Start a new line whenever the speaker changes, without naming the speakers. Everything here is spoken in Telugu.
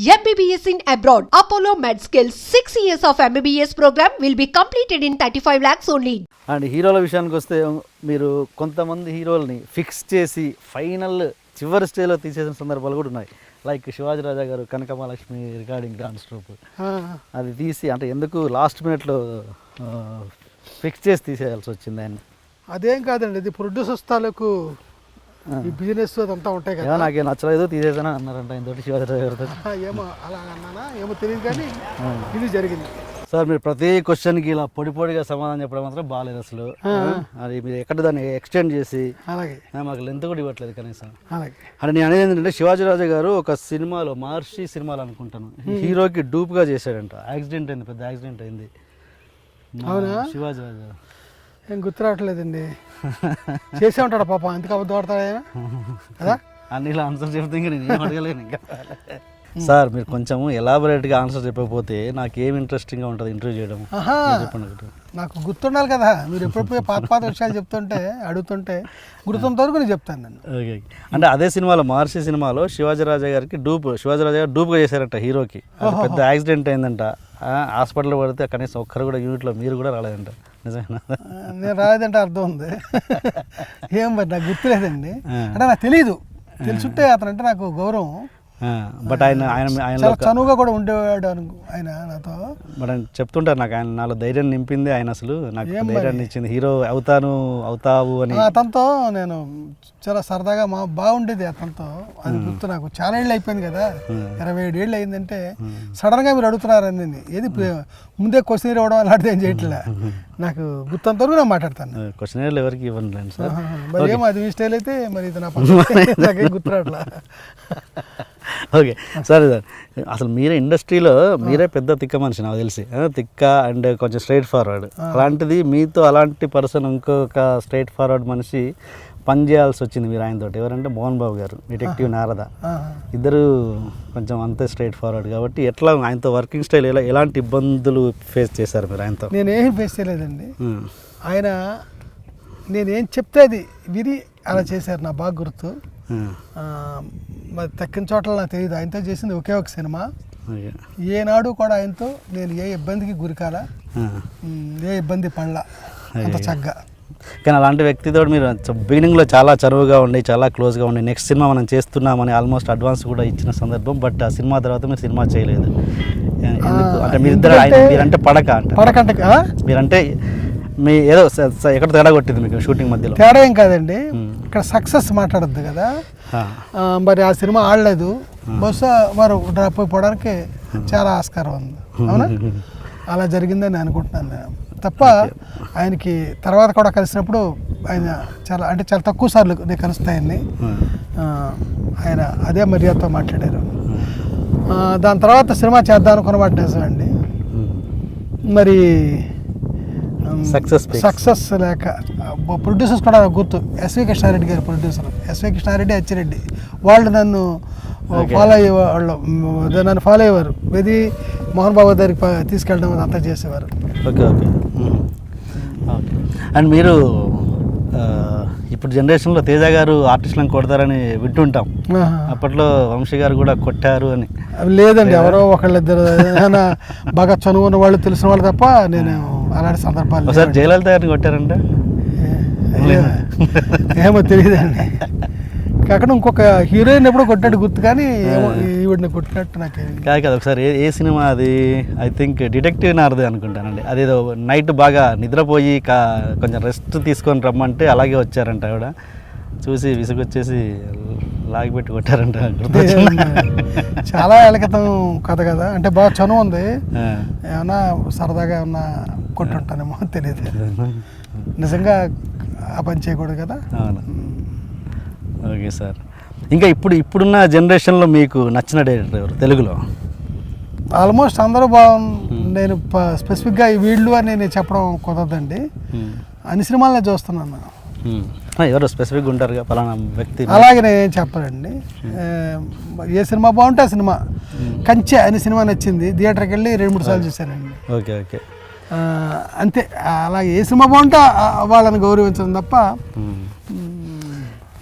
MBBS in abroad. Apollo MedSkill 6 years of MBBS program will be completed in 35 lakhs only.
And హీరోల విషయానికి వస్తే మీరు కొంతమంది హీరోల్ని ఫిక్స్ చేసి ఫైనల్ చివరి స్టేజ్లో తీసేసిన సందర్భాలు కూడా ఉన్నాయి. లైక్ శివాజీ రాజా గారు కనకమహాలక్ష్మి రికార్డింగ్ డాన్స్ ట్రూప్ అది తీసి అంటే ఎందుకు లాస్ట్ మినిట్లో ఫిక్స్ చేసి తీసేయాల్సి వచ్చింది ఆయన.
అదేం కాదండి, ఇది ప్రొడ్యూసర్స్ తాలూకు ఈ బిజినెస్ అదంతా ఉంటాయి కదా.
నాకేం నచ్చలేదు తీసేసాను అన్నారంట ఇంతటి శివాజీ రాజా గారితో.
ఏమో అలా అన్నానా ఏమో తెలియదు కానీ ఇది జరిగింది.
సార్ మీరు ప్రతి క్వశ్చన్కి ఇలా పొడిగా సమాధానం చెప్పడం మాత్రం బాగాలేదు అసలు. అది మీరు ఎక్కడ దాన్ని ఎక్స్టెండ్ చేసి
అలాగే
మాకు లెంత్ కూడా ఇవ్వట్లేదు కనీసం.
అలాగే
అంటే నేను అనేది ఏంటంటే శివాజీ రాజా గారు ఒక సినిమాలో మహర్షి సినిమాలో అనుకుంటాను హీరోకి డూప్గా చేశాడంట. యాక్సిడెంట్ అయింది, పెద్ద యాక్సిడెంట్ అయింది.
అవునా?
శివాజీ రాజా
ఏం గుర్తు రావట్లేదండి. చేసే ఉంటాడు పాపం, ఎందుకు అబద్ధం ఆడతాడు కదా.
అన్ని ఇలా ఆన్సర్ చెప్తే ఇంకా నేను ఏం అడగలేను ఇంకా. సార్ మీరు కొంచెం ఎలాబొరేట్గా ఆన్సర్ చెప్పకపోతే నాకు ఏం ఇంట్రెస్టింగ్గా ఉంటుంది ఇంటర్వ్యూ చేయడం. చెప్పండి.
నాకు గుర్తుండాలి కదా, మీరు ఎప్పుడెప్పుడు పాత విషయాలు చెప్తుంటే అడుగుతుంటే గుర్తుంత వరకు నేను చెప్తాను నేను.
ఓకే. అంటే అదే సినిమాలో మహర్షి సినిమాలో శివాజీ రాజా గారికి శివాజీ రాజా గారు డూప్గా చేశారంట హీరోకి. పెద్ద యాక్సిడెంట్ అయిందంట, హాస్పిటల్లో పడితే కనీసం ఒక్కరు కూడా యూనిట్లో మీరు కూడా రాలేదంట. నిజమేనా?
నేను రాలేదంటే అర్థం ఉంది. ఏం మరి నాకు గుర్తులేదండి. అంటే నాకు తెలీదు, తెలుసుంటే అతను అంటే నాకు గౌరవం.
బట్ ఆయన
చనువుగా కూడా ఉండేవాడు ఆయన నాతో.
బట్ ఆయన చెప్తుంటారు నాకు, ఆయన నాలో ధైర్యం నింపింది ఆయన, అసలు నాకు ధైర్యాన్ని ఇచ్చింది, హీరో అవుతావు అని.
అతనితో నేను చాలా సరదాగా బాగుండేది అతనితో. అది గుర్తు నాకు. చాలా ఏళ్ళు అయిపోయింది కదా, 27 ఏళ్ళు అయిందంటే. సడన్గా మీరు అడుగుతున్నారు అండి, ఏది ముందే క్వశ్చన్ ఇవ్వడం అలాంటిది ఏం చేయట్లే. నాకు గుర్తంత వరకు నేను మాట్లాడతాను.
క్వశ్చన్ ఎవరికి ఇవ్వండి సార్.
మరి ఏమో అది మీ స్టైల్ అయితే మరి ఇది నాకేం గుర్తురాట్లా.
ఓకే సరే సార్, అసలు మీరే ఇండస్ట్రీలో మీరే పెద్ద తిక్క మనిషి నాకు తెలిసి. తిక్క అండ్ కొంచెం స్ట్రైట్ ఫార్వర్డ్. అలాంటిది మీతో అలాంటి పర్సన్ ఇంకొక స్ట్రైట్ ఫార్వర్డ్ మనిషి పని చేయాల్సి వచ్చింది మీరు ఆయనతో. ఎవరంటే మోహన్ బాబు గారు, డిటెక్టివ్ నారద. ఇద్దరు కొంచెం అంతే స్ట్రైట్ ఫార్వర్డ్ కాబట్టి ఎట్లా ఆయనతో వర్కింగ్ స్టైల్ ఎలాంటి ఇబ్బందులు ఫేస్ చేశారు మీరు ఆయనతో?
నేనేం ఫేస్ చేయలేదండి. ఆయన నేనేం చెప్తే అది విని అలా చేశారు. నా బాగా గుర్తు. మరి తక్కిన చోట్ల నాకు తెలియదు. ఆయనతో చేసింది ఒకే ఒక సినిమా. ఏనాడు కూడా ఆయనతో నేను ఏ ఇబ్బందికి గురికాల, ఏ ఇబ్బంది పడలా అంత చక్కగా.
కానీ అలాంటి వ్యక్తితో మీరు బిగినింగ్లో చాలా చనువుగా ఉండి చాలా క్లోజ్గా ఉండి నెక్స్ట్ సినిమా మనం చేస్తున్నామని ఆల్మోస్ట్ అడ్వాన్స్ కూడా ఇచ్చిన సందర్భం. బట్ ఆ సినిమా తర్వాత మీరు సినిమా చేయలేదు. అంటే మీరిద్దరు మీరంటే పడకంటే మీరంటే మీ ఏదో ఎక్కడ తేడా కొట్టింది మీకు షూటింగ్ మధ్యలో?
తేడా ఏం కాదండి, ఇక్కడ సక్సెస్ మాట్లాడద్దు కదా. మరి ఆ సినిమా ఆడలేదు, బహుశా వారు డ్రాప్ అయిపోవడానికి చాలా ఆస్కారం ఉంది. అవునా? అలా జరిగిందని అనుకుంటున్నాను తప్ప ఆయనకి తర్వాత కూడా కలిసినప్పుడు ఆయన చాలా తక్కువ సార్లు నేను కలుస్తాయని ఆయన అదే మర్యాదతో మాట్లాడారు. దాని తర్వాత సినిమా చేద్దాం అనుకున్న మాట నిజమండి. మరి సక్సెస్ లేక ప్రొడ్యూసర్స్ కూడా గుర్తు. ఎస్వి కృష్ణారెడ్డి గారు ప్రొడ్యూసర్, ఎస్వి కృష్ణారెడ్డి, అచ్చిరెడ్డి వాళ్ళు నన్ను ఫాలో అయ్యేవారు. ఇది మోహన్ బాబు దగ్గరికి తీసుకెళ్ళడం అంతా చేసేవారు.
Okay okay okay. అండ్ మీరు ఇప్పుడు జనరేషన్లో తేజ గారు ఆర్టిస్టులను కొడతారని వింటుంటాం. అప్పట్లో వంశీ గారు కూడా కొట్టారు అని.
లేదండి, ఎవరో ఒకళ్ళిద్దరు బాగా చనువున్న వాళ్ళు తెలిసిన వాళ్ళు తప్ప నేను అలాంటి సందర్భాలు.
ఒకసారి జయలలిత గారిని కొట్టారంటే
ఏమో తెలియదండి. కాకుండా ఇంకొక హీరోయిన్ ఎప్పుడో కొట్టినట్టు గుర్తు, కానీ ఈవిడిని కొట్టినట్టు నాకేం
కాదు. ఒకసారి ఏ సినిమా అది, ఐ థింక్ డిటెక్టివ్ నారదే అనుకుంటానండి. అదేదో నైట్ బాగా నిద్రపోయి కొంచెం రెస్ట్ తీసుకొని రమ్మంటే అలాగే వచ్చారంట. ఆవిడ చూసి విసుగొచ్చేసి లాగిపెట్టి కొట్టారంట.
చాలా ఏళ్ళ క్రితం కథ కదా, అంటే బాగా చనువు ఉంది. ఏమన్నా సరదాగా ఏమన్నా కొట్టుంటానేమో తెలియదు. నిజంగా ఆ పని చేయకూడదు కదా.
అవును. ఓకే సార్, ఇంకా ఇప్పుడున్న జనరేషన్లో మీకు నచ్చిన డైరెక్టర్ ఎవరు తెలుగులో?
ఆల్మోస్ట్ అందరూ బాగుంది. నేను స్పెసిఫిక్గా ఈ వీళ్ళు అని నేను చెప్పడం కుదరదండి. అన్ని సినిమాలనే చూస్తున్నాను.
ఎవరు స్పెసిఫిక్గా ఉంటారుగా పలానా వ్యక్తి?
అలాగే నేనేం చెప్పనండి. ఏ సినిమా బాగుంటే ఆ సినిమా. కంచె అనే సినిమా నచ్చింది, థియేటర్కి వెళ్ళి 2-3 సార్లు చూశానండి.
ఓకే ఓకే
అంతే. అలాగే ఏ సినిమా బాగుంటే వాళ్ళని గౌరవించడం తప్ప